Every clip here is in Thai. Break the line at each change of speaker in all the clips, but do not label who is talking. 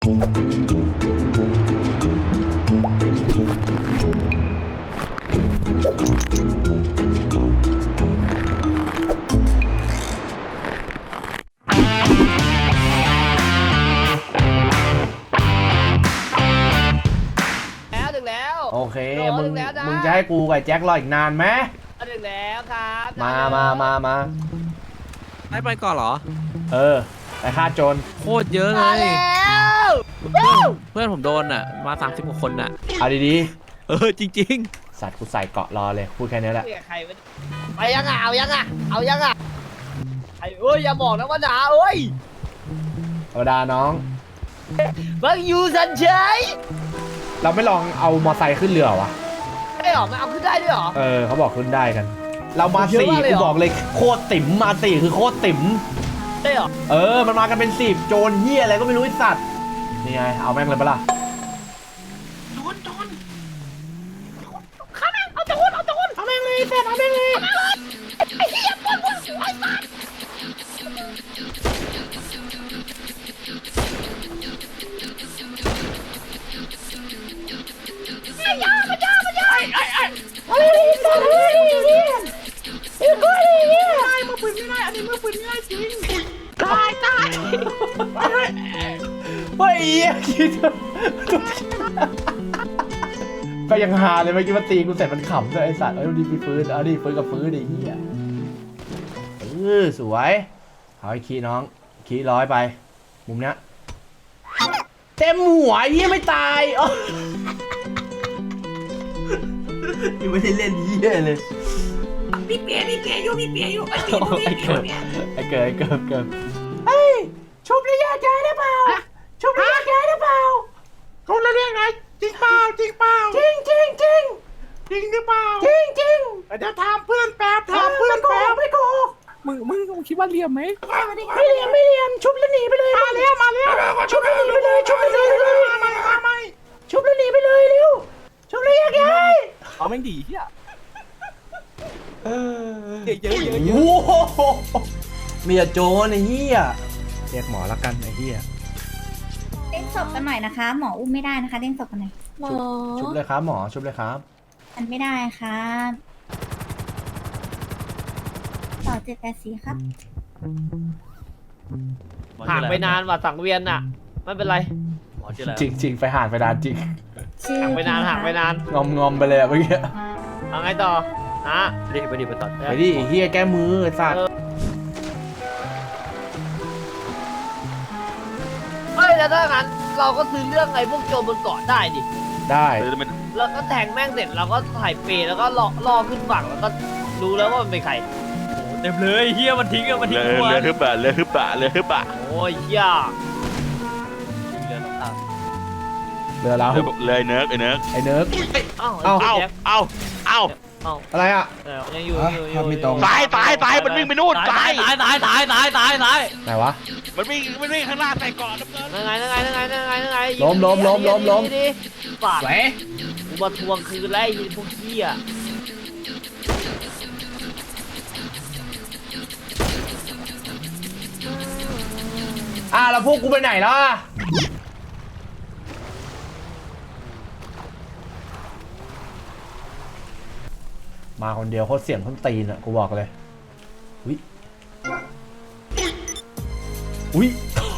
โอเคมึงจะให้กูกับแจ็ครออีกนานไหมถึงแล้วครับมา
ไปก่อนเหรอ
ไปฆ่าโจร
โคตรเยอะเลยเพื่อนผมโดนอ่ะมา30 กว่าคนอ่ะ
เอาดี
ๆจริง
ๆสัตว์กูใส่เกาะรอเลยพูดแค่นี้แหละ
ไปยังอ่ะเอายังอ่ะไอ้อย่าบอกนะว่าด่าธร
รมดาน้อง
บังยูสันเฉย
เราไม่ลองเอามอไซค์ขึ้นเรือวะ
ไม่หรอมันเอาขึ้นได้ด้วยหรอ
เขาบอกขึ้นได้กันเรามา4กูบอกเลยโคตรติ๋มมา4คือโคตรติ๋ม
ได้หรอ
มันมากันเป็น10โจรเหี้ยอะไรก็ไม่รู้ไอ้สัตว์นี่ไงเอาแม่งเลยปะล่ะ
โจรข้าแม่งเอาโจรเอาแม่งเลยเสร็จเอาแม่งเลยไอ้เหี้ยปวดไอ้สัตว์ยาไอ้มือปืนไม่ได้อันนี้มือปืนไม่ได้จริงตาย
เฮ้ยคิดก็ยังฮาเลยเมื่อกี้มันตีกูเสร็จมันขำด้วยไอ้สัตว์ดีมีปืนดิปืนกับปืนดิเหี้ยสวยเอาไอ้คีน้องคีร้อยไปมุมเนี้ยเต็มหัวเหี้ยไม่ตายยังไม่ได้เล่นเหี้ยเลย
พี่เปียอยู่ไอ้เ
กิดเฮ้ยชุบระยะไกลได้เปล่าชุบระยะไกลได้เปล่า
เขาเรียกไงจริงเปล่า
จริงหรือเปล่า
จริงเดี๋ยวถามเพื่อนแป๊บ
ไม่โกหก
มึงคิดว่าเลี่ยมไหม
ไม่เลี่ยมชุบแล้วหนีไปเลย
มาแล้ว
ชุบแล้วหนีไปเลยชุบแล้วหนีไปเลยเร็วชุบระยะไกล
เอาแม่งดีเฮียเยอะ
โอ้โหเมียโจรไอ้เหี้ยเรียกหมอละกันไอ้เหี้ย
เด้งศพกันหน่อยนะคะหมออุ้มไม่ได้นะคะเด้งศพกันหน่อย
ชุบเลยครับหมอชุบเลยครับ
มันไม่ได้ครับต่อ784ครับ
ห่างไปนานว่ะสังเวียนอ่ะไม่เป็นไร
จริงไปห่างไปนานจริง
ห่างไปนาน
งอมไปเลยเมื่อกี้
เอาไงต่อ
ไปดิตัด
ไปดิเฮียแก้มือสัตว์
แล้วถ้างั้นเราก็ซื้อเรื่องไอ้พวกโจรบนเกาะได้ดิ
ได้
แล้วก็แทงแม่งเสร็จเราก็ถ่ายเปรย์แล้วก็ล่อขึ้นฝั่งแล้วก็รู้แล้วว่ามันเป็นใคร
เต็มเลยเฮียมันทิ้งตัว
เลยฮึบะ
โอ้ยเฮีย
เรือเรา
เลยเนิร์กไอ้เนิร์กเอา
อะไรอ่ะ
ยังอยู่
ตายมันวิ่งไปนู่นตาย
ไหนวะ
มันวิ่งข้างหน้าใส่ก่อน
นั่งไง
ล้ม
ปาดกูมาทวงคืนไล่พวกเหี้ย
แล้วพวกกูไปไหนล่ะมาคนเดียวโคตรเสี่ยงต้นตีนอ่ะกูบอกเลยอุ้ย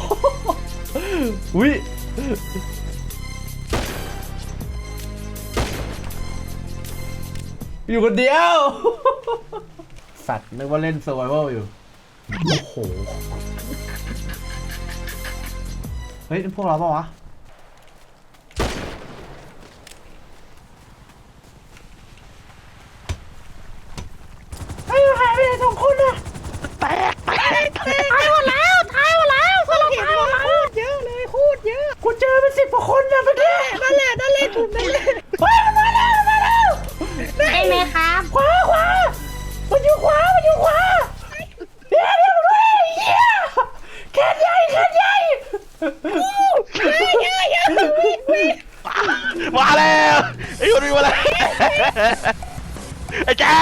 อยู่คนเดียวสัตว์นึกว่าเล่นเซอร์ไวเวลอยู่โอ้โหเฮ้ยพวกเราเปล่าวะหายไปไหน2 คนอะ
แตกตายหมดแล้วสลับตายหมดแล้วโคตรเยอะ
กูเจอเป็น10 กว่าคนนะเมื่อกี้
นั่นแหละถูกนั่นแหละ
มันมาแล้ว
ได้เลยครับ
ขวามันอยู่ขวาเดี๋ยวด้วยแขนใหญ่
มาแล้วไอ้คนนี้มาแล้วไอ้แก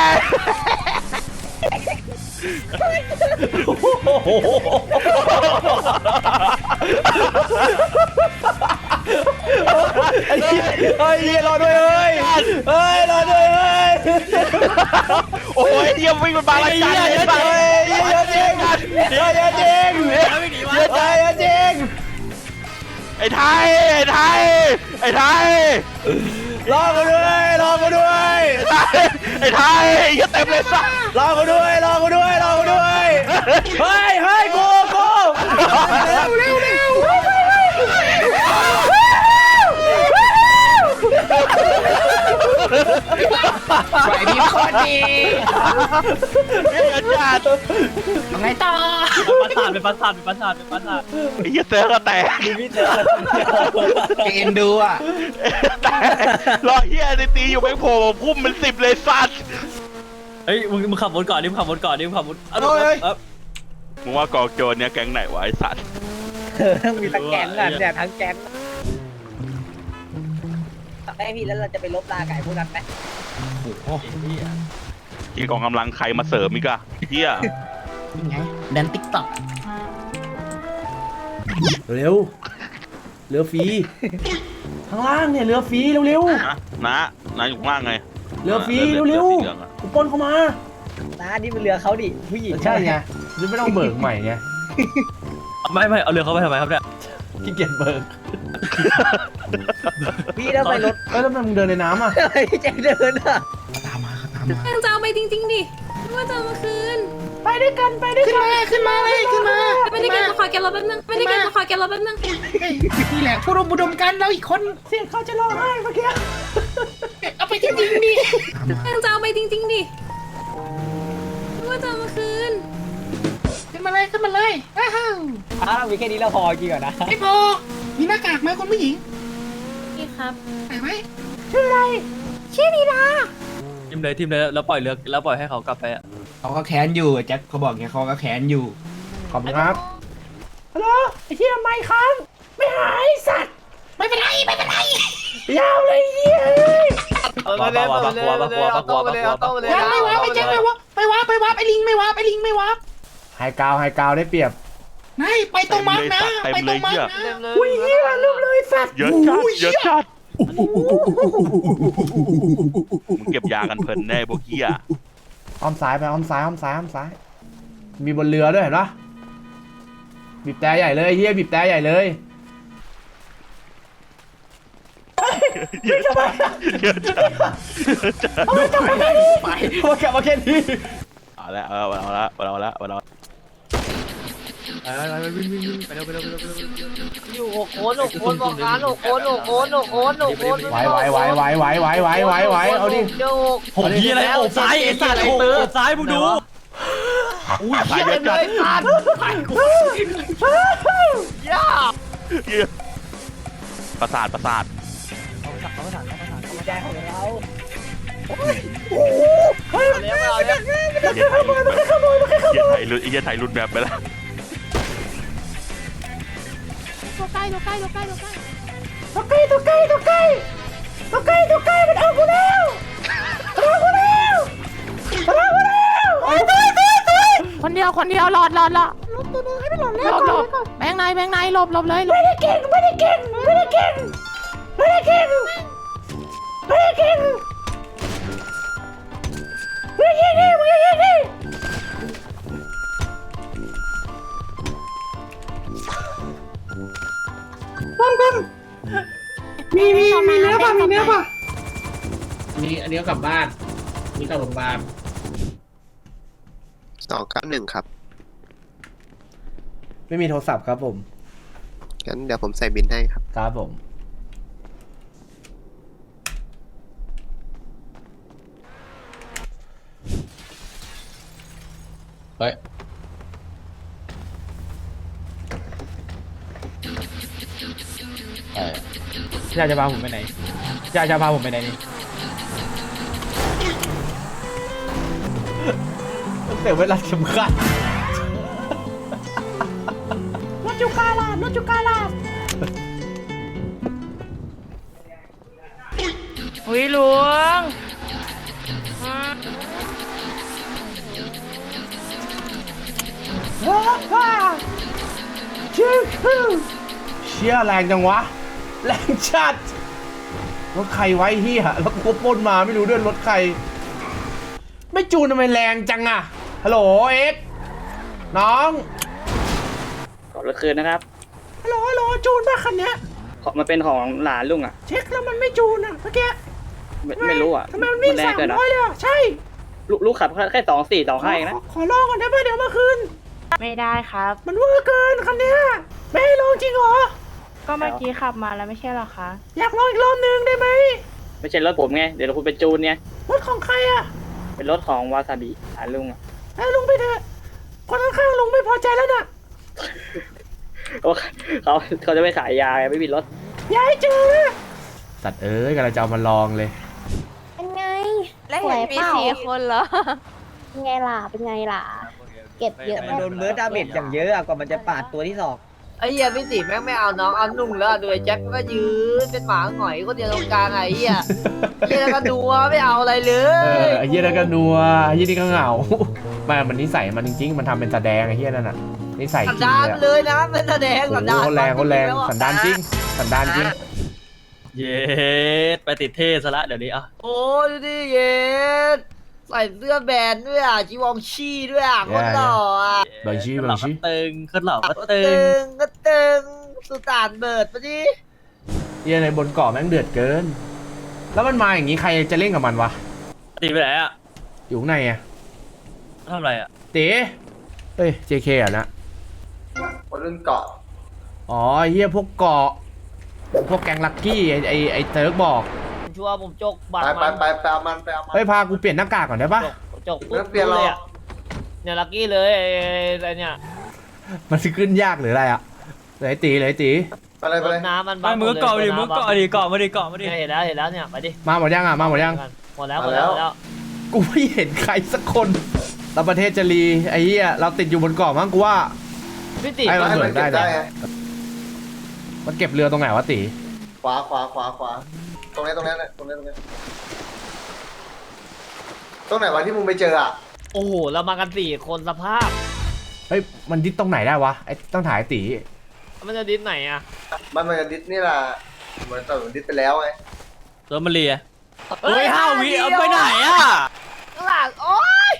เฮ้ยรอด้วยเฮ้ยเฮ้ยรอด้วยเฮ้ย
โอ้ยเยี่ยมวิ่งมันบางระจันเลยสัตว์
เฮ้ยเยอะจริงเยอะจริงเยอะจริง
ไอ้ไทยไอ้ไทยไอ้ไทย
รอกูด้วยรอกูด้วย
ไอ้ไทยเยอะเต็มเลยสัตว์
รอกูด้วยรอกูด้วยรอกูด้วยเฮ้ยเฮ้ยกูเร็ว
ไหวดีโคตรดี
เยอะจัด
ไงต่อ
เป็นประสาท
ไอ้เหี้ยเสือก็แตก
เอ็นดูอ่ะ
แต่รอเฮียในตีอยู่แม่งโผล่มาพุ่มเป็น10เลยสัตว์
เฮ้ยมึงขับวนก่อนดิมึงขับวน
มึงว่ากองโจรเนี่ยแก๊งไหนวะไอ้สัตว์
มีทั้งแก๊งอ่ะเนี่ยทั้งแก๊งได้พี่แล้วเราจะไปลบลาไก่พวกนั้นไหม
ที่กองกำลังใครมาเสริมอีกอะเฮีย
ยังไงแดนติ๊กต็อก
เร็วเรือฟรีข้างล่างเนี่ยเรือฟรีเร็ว
นะอยู่ข้างล่างไง
เรือฟรีเร็วกูปนเข้ามา
น้านี่มันเรือเขาดิผู้หญิง
ใช่ไงจะไม่ต้องเบิกใหม่ไง
ไม่เอาเรือเขาไปทำไมครับเนี่ย
ขี้เกียจเบิก
พี่แล้วไปรถ
แล้วทำไมมึงเดินในน้ำอ่ะ
อะไรพี่แจ็คเดินอ่ะ
ตามมา
ยังจะเอาไปจริงๆดิไม่ว่าจะเอามาคืน
ไปด้วยกัน
ขึ้นมาเลยขึ้นมา
ไม่ได้เก็บมาขอเก็บรถแป๊บนึงไม่ได้เก็บมาขอเก็บรถแป๊บนึง
นี่แหละผู้ร่วมอุดมการเราอีกคน
เสียงเขาจะร้องไห้เมื่อกี้
เอาไปจริงๆดิ
ยังจะเอาไปจริงๆดิไม่ว่าจะเอามาคืน
ขึ้นมาเลยอ้าว
อ้าวมีแค่นี้เราพอจริงเหรอนะ
ไม่พอมีหน้ากากไหมคนผู้หญิง
นี่ครับ
ใส่ไหม
ชื่อนีดา
ทิมเลยแล้วปล่อยเรือแล้วปล่อยให้เขากลับไปอ่ะ
เขาก็แค้นอยู่แจ็คเขาบอกไงเขาก็แค้นอยู่
ขอบคุณครับฮัลโหลไอ้เหี้ยไม่ค้างไม่หายสัตว์
ไม่เป็นไร
ยาวเลยเหี้ย
กลัว
ยังไม่วาไปแจ็คไม่วาไปวาไอ้ลิงไม่วา
ไฮกาวได้เปรียบ
ไม่ไปตรงมาร์กนะไปตรงมาร์กนะ
อุ้ยเหี้ยลืมเลยสัตว์
เยอะจัดมึงเก็บยากันเพลินแน่พวกเฮีย
อ้อมซ้ายไปอ้อมซ้ายมีบนเรือด้วยเห็นปะบีบแต่ใหญ่เลยเฮียบีบแต่ใหญ่เลย
เยอะจัด
เอากลับมาแค่นี้
เอาละ
วิ่งไปเร็ว
อยู่6 คนบอกงาน6 คน
ไหวเอาดิ
โอ้ยอะไรโอบซ้ายไอ้สัตว์โอบซ้ายมึงดู
อุ้ยตายเยอะจัดประสาท
ใจของเรา
เฮียไทยรุดแบบไปแล้ว
ตัวใกล้มันเอากูแล้วคนเดียวหลอดลบตัวนึงให้ไปหลอดเลยหลบแบงในหลบเลยไม่ได้เก่งมึงยังยิงดิมีเนื้อป่ะ
มีอันนี้ก็กลับบ้านมีกลับโรงพยาบาล
291 ครับ
ไม่มีโทรศัพท์ครับผม
งั้นเดี๋ยวผมใส่บินให้ครับ
ครับผม
เฮ้ย
อยากจะพาผมไปไหนนี่เสียเวลาสำคัญรถจุกาลา
อุ้ยหลวง
เชี่ยแรงจังวะแรงจัดรถใครไว้เฮียแล้วกูก็ปล้นมาไม่รู้ด้วยรถใคร ไม่จูนทำไมแรงจังอะฮัลโหลเอ็กซ์น้อง
ขอรถคืนนะครับ
ฮัลโหลจูนป่ะคันเนี้ย
มันเป็นของหลานลุงอ่ะ
เช็คแล้วมันไม่จูนอะเมื่อกี้
ไม่รู้อ่ะ
ทำไมมันวิ่ง
แรงเกินอ่ะ
300เลยอะใช่
ลูกขับแค่2.4 2.5เองนะ
ขอลองก่อนได้ป่ะเดี๋ยวมาคืน
ไม่ได้ครับ
มันเวอร์เกินคันเนี้ยไม่ให้ลองจริงเหรอ
ก็เมื่อกี้ขับมาแล้วไม่ใช่หรอคะ
อยากลองอีกรอบนึงได้ไหม
ไม่ใช่รถผมไง เดี๋ยวคุณไปจูนไง
รถของใครอะ
เป็นรถของวาซาบิหลานลุงอ่ะ
ให้ลุงไปเถอะคนข้างๆลุงไม่พอใจแล้วน่ะ
เขาจะไปขายยาไงไม่มีรถ
อย่าให้เจอสัตว์เอ้ยกำลังจะเอามาลองเลย
เป็นไง
แล้วเห็นมี
สวยเปล่า
4 คนเหรอ
เป็นไงล่ะ เป็นไงล่ะ เก็บเยอะ
โดนเบิร์ดดาเมจอย่างเยอะอะกว่ามันจะปาดตัวที่สอง
ไอ้เหี้ยพี่ติแม่งไม่เอาน้องเอานุ่งแล้วดูไอ้แจ็คก็ยืนเป็นหมาหงอยคนเดียวตรงกลางไอ้เหี้ยเหี้ยแล้วก็ดูไม่เอาอะไรเล
ไอ้เหี้ยนั่นก็นัวไอ้เหี้ยนี่ก็เหงามันนิสัยมันจริงๆมันทำเป็นแสดงไอ้เหี้ยนั่นน่ะนิสัยจ
สัน
ริง
ดาน
เลย
เลยนะเป็นแสดง
โอ้
สัน
โห
ดาน
เขาแรงสันดานจริงสันดานจริง
เย็ดไปติดเท่ซะละเดี๋ยวนี้อ่ะ
โอ้ยดูดิเย็ดใส่เสื้อแบรนด์ด้วยอ่ะจีวองชี่ด้วยอ่ะคนหล่ออ่ะ
บางชี้
ห
บา
ล่อง ก็
ชี้
ตึงขึ้นหล่อก็
ก็
ตึ
ตึ
ง
งก็ตึงสุตานเบิร์ดปะดิ
เหี้ยในบนเกาะแม่งเดือดเกิน แล้วมันมาอย่างนี้ใครจะเล่นกับมันวะ
ตีไปไหนอ่ะ
อยู่ข้างในอะ
ทำอะไรอ่ะ
เต๋เฮ้ย JK อ่ะนะ
คนรุ่นเกาะ
อ๋อไอ้เหี้ยพวกเกาะพวกแกงลักกี้ไอ้เติร์กบอก
ชัวร์ผมจกบัต
ไป
ร
ไป
มัน
ไปไปเอามันไปเอามัน
เฮ้ยพากูเปลี่ยนหน้ากากก่อนได้ปะ
จก
ไม่ต้องเปลี่ยนหรอก
เลยอ่ะเนี่ยลักกี้เลยไอ้เนี่ย
มันจะขึ้นยากหรืออะไรอะเลยตี
ไปเลยไป
ร
เลย
ถน้ำมัน
ไปมือเกาะดิมือเกาะดิเกาะมาดิเกาะมาดิ
เนี่ยเห็นแล้วเนี่ยไปดิ
มาหมดยังอะมาหมดยัง
หมดแล้ว
กูไม่เห็นใครสักคนเราประเทศจะรีไอ้เหี้ยเราติดอยู่บนเกาะมั้งกูว่า
พี่ติ
ไอ้
ให้มันเก็บได้ไง
มันเก็บเรือตรงไหนวะตี
ขวาตรงนี้ตรงนี้ตรงไหนวะที่มึงไปเจออ่ะ
โอ้โหเรามากัน4 คนสภาพ
เฮ้ยมันดิสตรงไหนได้วะไอ้ต้องถ่ายตี
มันจะดิ้นไหนอ่ะ
มันจะดิสนี่แหละเหมือนตอนดิสไปแล้วไง
ตัวมันเลียเฮ้ย5 วิเอาไปไหนอ่ะ
ข้างหลังโอ๊ย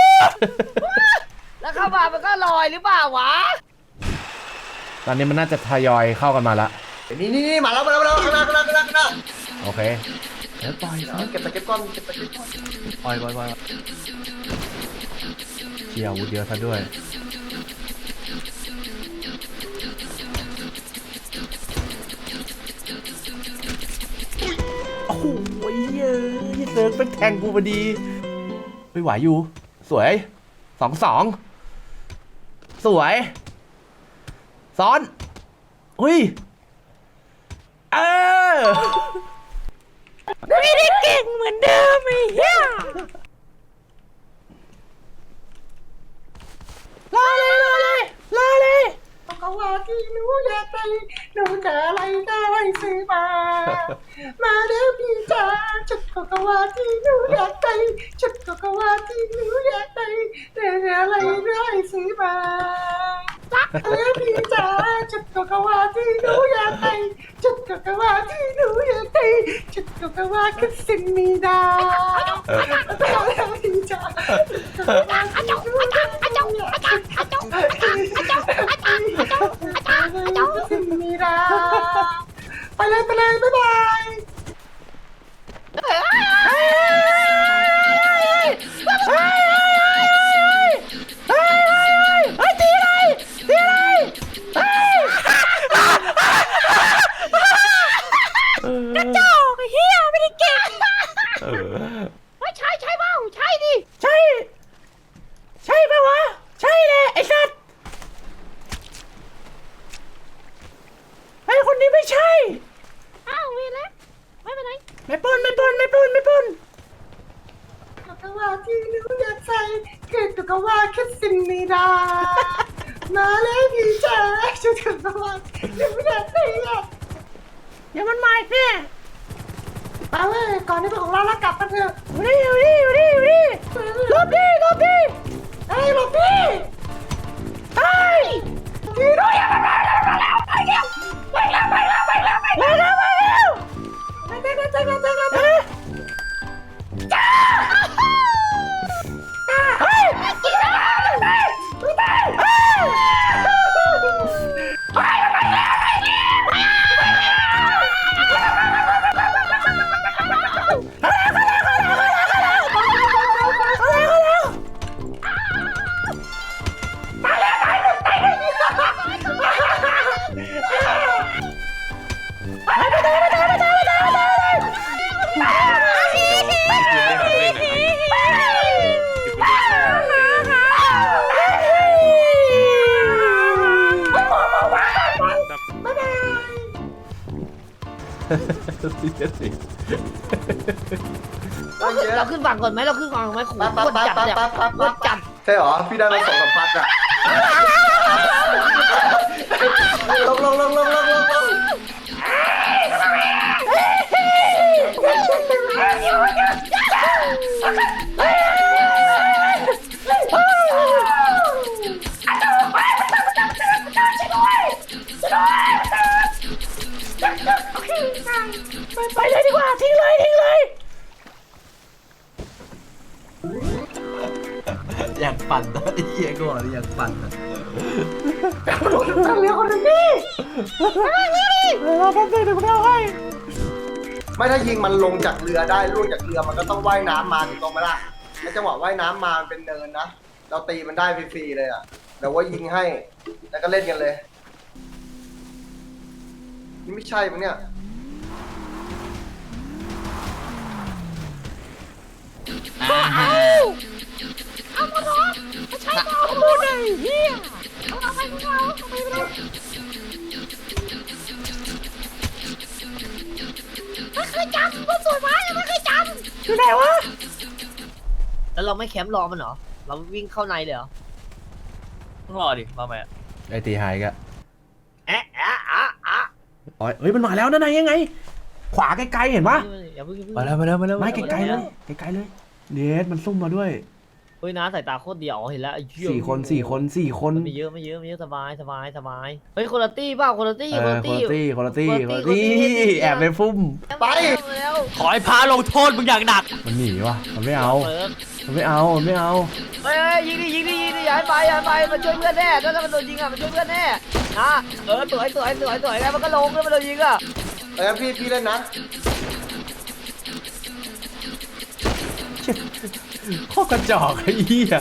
แล้วเข้ามามันก็ลอยหรือเปล่าวะ
ตอนนี้มันน่าจะทยอยเข้ากันมาละ
นี่มาแล้วข้างหน้า
โอเคเดี๋ยวปล่อย
เก็บตะเก็บก้อน
ปล่อย
เชียร์อาวุธเยอะซะด้วยโอ้โหเยอะเซิร์ฟเป็นแทงกูพอดีไปไหวอยู่สวย2-2สวยซ้อนอุ้ยเออ
ไม่ได้เก่งเหมือนเดิมไอ้เหี้ย
รอเลย
ก็ว่าที่หนูอยากได้หนูจะอะไรได้ซื้อมา มาเด้อพี่จ๋าชุดก็ว่าที่หนูอยากได้ชุดก็ว่าที่หนูอยากได้แต่อะไรได้ซื้อมาเด้อพี่จ๋าชุดก็ว่าที่หนูอยากได้ชุดก็ว่าที่หนูอยากได้ชุดก็ว่าคือสิ่งมีดาพี่จ๋าสิ่งมีดาไปเลยบ๊ายบาย
กระจอกไอ้เหี้ยไม่ได้เก่ง
ไม่ใช่เปล่าใช่ดิใช่ปะวะใช่เลยไอ้สัตว์ไอ้คนนี้ไม่ใช่
อ้าวเวียนแล้วไม่เป็นไร
ไม่ปน
ก็ว่าที่หนูอยากใส่คือก็ว่าแค่สิ่งมีดามาเลยพี่จ๋าชุดก็ว่าหนูอยากใส่อะ
เดี๋ยวมันมาอีกเนี่ย
มาเลยก่อนที่ของเราแล้วกลับมาเถอะ
อยู่นี่หลบดิ
เฮ้ยหลบพี่
เฮ้ย
พี่ด้วยไปเร็วไปเร็ว
ไปแล้ว
ไป
เราขึ้นฝั่งก่อนไหมเราขึ้นฝั่งไหมขู่
ปั๊บ
โคตรจัดเนี่ยโคตรจัด
ใช่เหรอพี่ได้มา2-3 พัดอ่ะลง
ไปเลยดีกว่าทิ้งเลย
อยากปั่นนะไอ้เหี้ยกูบอกอยากปั่นนะ
เรือคนหนึ่งนี่เราแค่เดี๋ยวเราให้
ไม่ถ้ายิงมันลงจากเรือได้ล่วงจากเรือมันก็ต้องว่ายน้ำมาถูกต้องไหมล่ะในจังหวะว่ายน้ำมามันเป็นเนินนะเราตีมันได้ฟรีๆเลยอ่ะแต่ว่ายิงให้แล้วก็เล่นกันเลยนี่ไม่ใช่มั้งเนี่ย
เอามาล้อมาใช้ต่อขโมยเลยเฮียเอาไปไม่เคยจำว่าสวยไหมไม่เคยจำอยู่ไหนวะ
แล้วเราไม่แคมป์รอมันเหรอเราวิ่งเข้าในเลยเหรอ
ต้องรอดิมาไหม
ไอ้ตีหายกะ
แอะ
อ๋อเฮ้ยมันมาแล้วนั่นไงยังไง ขวาไกลๆเห็นปะ
อย่าเพิ่ง
มาแล้ว
ไม่ไกลๆเลยไกลๆเลยเดสมันซุ่มมาด้วย
เฮ้ยนะสายตาโคตรเดียวเห็นแล้วไอ้เหี้ย
4 คน
ไม่เยอะสบายเฮ้ยคนละตี้เปล่าคนละตี้
คนละตี้แอบไปฟุ่ม
ไป
แล้ว
ขอให้พาลงโทษมึงอย่างหนัก
มันหนีวะมันไม่เอา
เปิด
มันไม่เอา
เฮ้ยยิงดิอย่าให้ไปมันช่วยเพื่อนแน่ถ้ามันโดนยิงอ่ะมันช่วยเพื่อนแน่นะสวยแล้วมันก็ลงแล้วมันโดนยิงอ่ะ
พี่เล่นนะ
ข้อกระจอกไอ้เหี้ย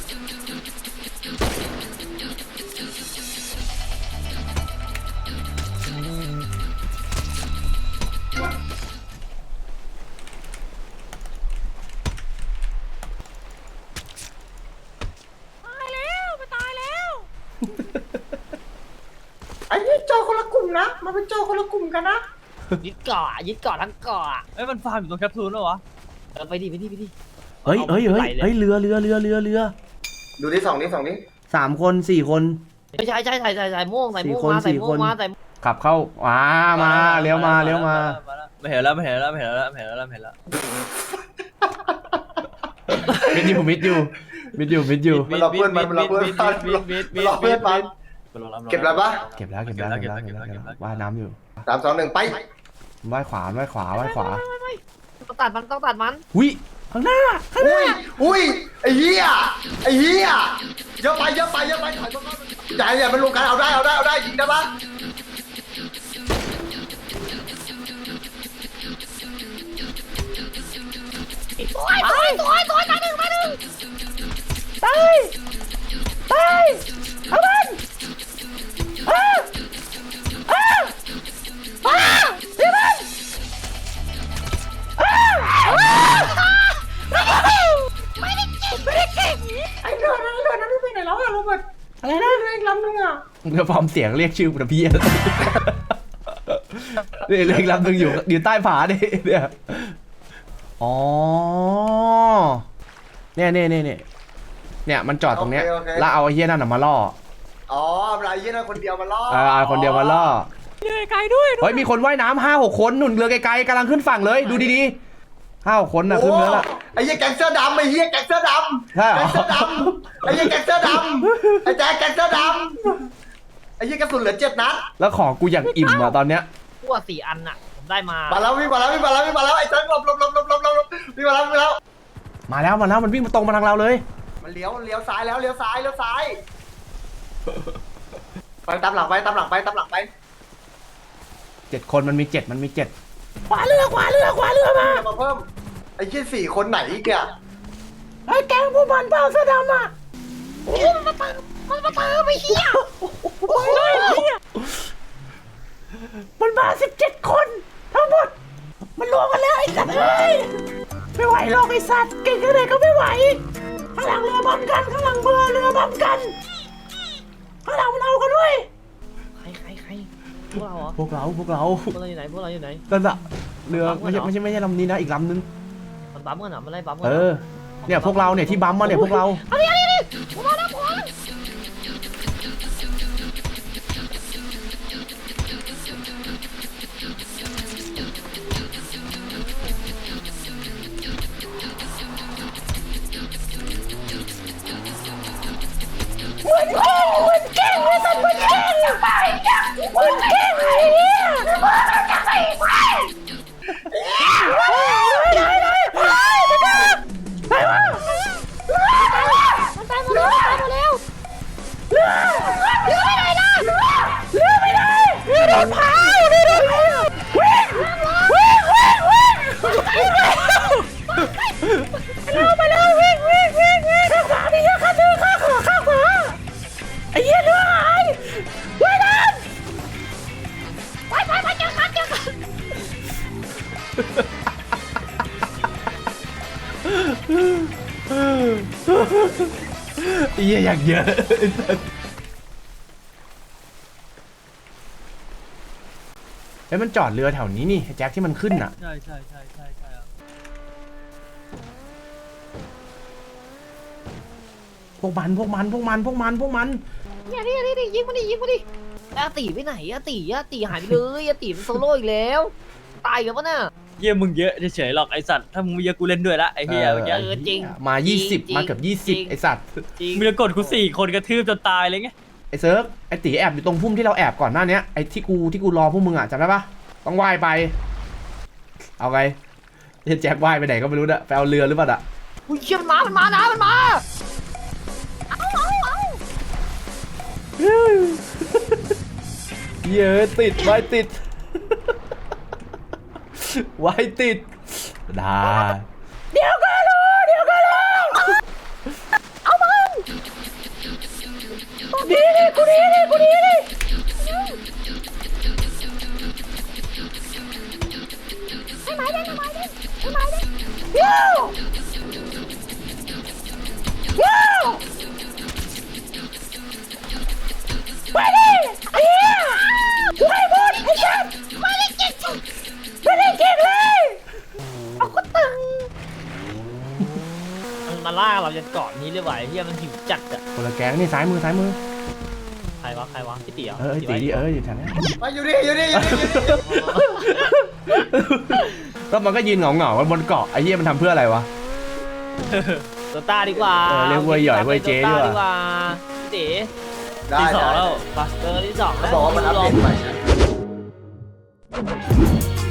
ตายแล้วมันตายแล้ว
ไอ้นี่โจคนละกลุ่มนะมาเป็นโจคนละกลุ่มกันนะ
ยึดเกาะทั้งเกาะ
เอ้ยมันฟาร์มอยู่ตรงแคปซูลแล้ววะ
ไปดิ
เฮ้ยเรือ
ดูที่สองนี่
3 คน 4 คน
ไม่ใช่ใส่ม่วงมา
ขับเข้ามาเลี้ยวมา
ไม่เห็นแล้ว
มิดอยู่
มันรอเพื่อนมันเก็บแล้วปะ
เก็บแล้วว่ายน้ำอยู่
3-2-1ไป
ว่ายขวา
ต้องตัดมัน
หุ้ยข้างหน้า
อุ้ยไอ้เหี้ยเยอะไปถอยมาอย่ามันลงกันเอาได้ยิงได้ปะ
สวยตายหนึ่งตายเอามันพี่มันไม่ได้เก่ง
ไอ้เรือนั้นไม่ไปไหนแล้วอะโรเบิร์ต
อะไรนะ
เรืออีกลำนึงอะ
มึงจะฟอร์มเสียงเรียกชื่อกูนะพี่นี่เรียกลำนึงอยู่ใต้ผาเนี่ยอ๋อเนี่ยมันจอดตรงเนี้ยแล้วเอาไอ้เหี้ยนั่นมาล่อ
อ๋ออะไรเหี้ยนั่นคนเดียวมาล่อ
คนเดียวมาล่อ
เหนื่อยไกลด้วย
เฮ้ยมีคนว่ายน้ำ5-6 คนหนุนเรือไกลๆกำลังขึ้นฝั่งเลยดูดีๆ5-6 คนนะขึ้นเรือละ
ไอ้เหี้ยแก๊งเสื้อดำไอ้เหี้ยแก๊งเสื้อดำ
ใช่เหรอ
ไอ้เหี้ยแก๊งเสื้อดำไอ้แจ๊คแก๊งเสื้อดำไอ้เหี้ยกระสุนเหลือ7 นัด
แล้วของกูอย่างอิ่มอะตอนเนี้ย
พวก4 อันน่ะผมได้มา
มาแล้ววิ่งมาแล้วไอ้แจ๊คหลบวิ่งมาแล้ว
มาแล้วมันวิ่งมาตรงมาทางเราเลย
มันเลี้ยวซ้ายแล้วเลี้ยวซ้ายไปตามหลังไป
7 คนมันมี 7
ขวาเรือมา
มาเพิ่มไอ้เหี้ย4 คนไหนอีกเนี่ย
ไอ้แกงพวกมันเปล่าเสื้อดำอ่ะมันมาเติมไปเฮีย
มันมา17 คนทั้งหมดมันรวมกันแล้วไอ้สัตว์เอ้ยไม่ไหวหรอกไอ้สัตว์เก่งแค่ไหนก็ไม่ไหวข้างหลังเรือบัมกันข้างหลังเรือบัมกันข้างหลังมันเอากันด้วย
ใครพวกเราเหรอ
พวกเรา
พวกเราอยู่ไหน
นั่นอะเรือไม่ใช่ลำนี้นะอีกลำนึง
มันบัมกันเหรอมันไล่บัมกัน
เนี่ยพวกเราเนี่ยที่บัมมาเนี่ยพวกเรา
เอาดิผมมาแล้วผม ไอ้เหี้ยเรือหายว่ายน้ำไปเจอกัน
ไอ้เหี้ยอยากเยอะเฮ้ยมันจอดเรือแถวนี้นี่แจ็คที่มันขึ้นอ่ะใช่พวกมัน
เนี่ยนี่ยิงมาดิอาตีไปไหนอาตีหายไปเลยอาตีมันโซโล่อีกแล้วตายกันปะน่ะ
เยี่ยมึงเยอะเฉยๆหรอกไอสัตว์ถ้ามึงเยอะกูเล่นด้วยละไอเฮียเมื่อกี้
จริง
มา20มาเกือบ20ไอสัตว์
จริง
มึงจะกดกู4 คนกระทืบจนตายเลยไง
ไอเซิร์ฟไอตีแอบอยู่ตรงพุ่มที่เราแอบก่อนหน้านี้ไอที่กูรอพวกมึงอ่ะจำได้ปะต้องว่ายไปเอาไงแจ็คว่ายไปไหนก็ไม่รู้นะไปเอาเรือหรือเปล่าอ่ะ
อุ้ยเชี่ยมันมานะมันมา
เยอะติดไว้ติดไว้ติดได้เดี๋ยวก็รู้เอามันดีกูดีให้ไม้ได้ว้าวไปดิไอ้เหี้ยกูให้หมดไอ้สัสไม่ได้เก่งเลยเอาก็ตึง
มันมาล่าเราจนเกาะนี้เลยว่ะเฮียมันหิวจัดอะ
คนละแก๊งนี่ซ้ายมือ
ใครวะพี่เตี๋ยว
ไอ้ตีดิอยู่แถวนี้
ไปอยู่ดิอยู่ดิ
แล้วมันก็ยืนเหงาบนเกาะไอ้เหี้ยมันทำเพื่ออะไรวะ
โดต้าดีกว่า
เรียกเว้ยหย่อยเว้ยเจ๊ดีกว่า
โต้พี่เต๋
ได้
ที่2แล้ว
ที่ 2
เขาบอกว่ามันอัปเดตใหม่นะ